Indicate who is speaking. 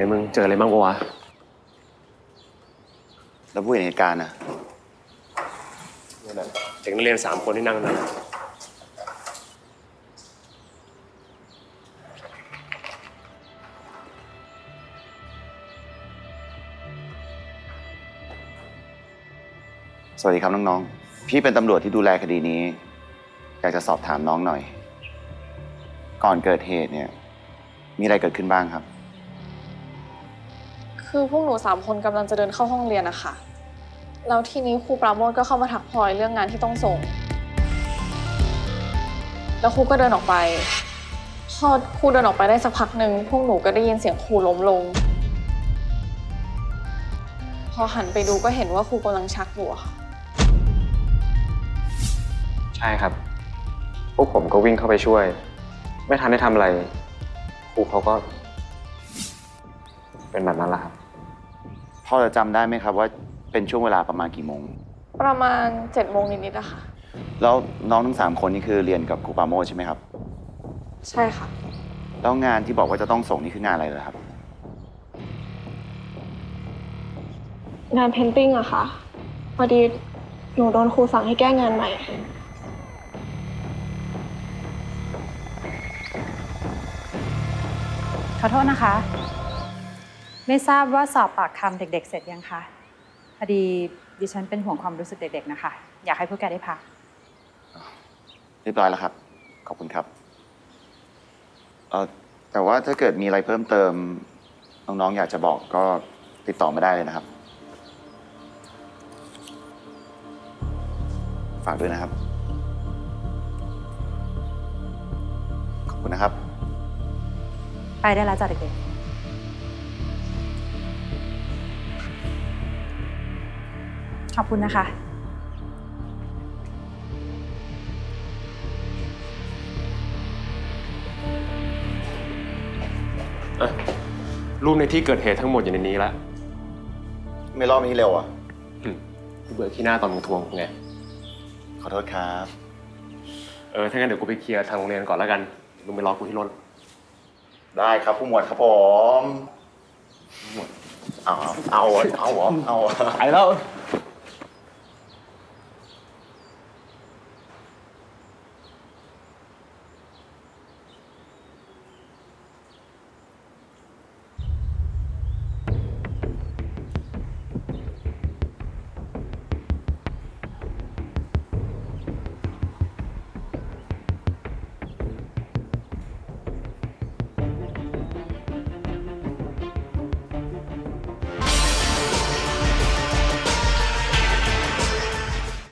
Speaker 1: มึงเจออะไรบ้างปะวะ
Speaker 2: แล้วผู้เห็นเหตุการณ์นะ
Speaker 1: นี่แหละเด็กนักเรียน3 คนที่นั่งนั่น
Speaker 2: สวัสดีครับน้องๆพี่เป็นตำรวจที่ดูแลคดีนี้อยากจะสอบถามน้องหน่อยก่อนเกิดเหตุเนี่ยมีอะไรเกิดขึ้นบ้างครับ
Speaker 3: คือพวกหนู3 คนกำลังจะเดินเข้าห้องเรียนนะคะแล้วทีนี้ครูปราโมทก็เข้ามาทักพลอยเรื่องงานที่ต้องส่งแล้วครูก็เดินออกไปพอครูเดินออกไปได้สักพักหนึ่งพวกหนูก็ได้ยินเสียงครูล้มลงพอหันไปดูก็เห็นว่าครูกำลังชักอยู่ค่ะ
Speaker 1: ใช่ครับพวกผมก็วิ่งเข้าไปช่วยไม่ทันได้ทำอะไรครูเขาก็เป็นแบบนั้นแหละครับ
Speaker 2: พอจะจำได้ไหมครับว่าเป็นช่วงเวลาประมาณกี่โมง
Speaker 3: ประมาณ7 โมงนิดๆอะค่ะ
Speaker 2: แล้วน้องทั้ง3 คนนี่คือเรียนกับครูปราโมชใช่ไหมครับ
Speaker 3: ใช่ค่ะ
Speaker 2: แล้วงานที่บอกว่าจะต้องส่งนี่คืองานอะไรเหรอครับ
Speaker 4: งานเพนติ้งอะค่ะพอดีหนูโดนครูสั่งให้แก้งานใหม่
Speaker 5: ขอโทษนะคะ ไม่ทราบว่าสอบปากคำเด็กๆเสร็จยังคะพอดีดิฉันเป็นห่วงความรู้สึกเด็กๆนะคะอยากให้พวกแกได้พัก
Speaker 2: เรียบร้อยแล้วครับขอบคุณครับแต่ว่าถ้าเกิดมีอะไรเพิ่มเติมน้องๆอยากจะบอกก็ติดต่อมาได้เลยนะครับฝากด้วยนะครับขอบคุณนะครับ
Speaker 5: ไปได้แล้วจ้ะเด็กๆขอบคุณนะคะ
Speaker 1: รูปในที่เกิดเหตุทั้งหมดอยู่ในนี้แล้ว
Speaker 2: ไม่รอบนี้เร็วอ่ะ
Speaker 1: กูเบื่อขี้หน้าตอนมึงทวงไง
Speaker 2: ขอโทษครับ
Speaker 1: ถ้างั้นเดี๋ยวกูไปเคลียร์ทางโรงเรียนก่อนแล้วกันมึงไปรอกูที่รถ
Speaker 2: ได้ครับผู้หมวดครับผมหมวดเอาไปแล้ว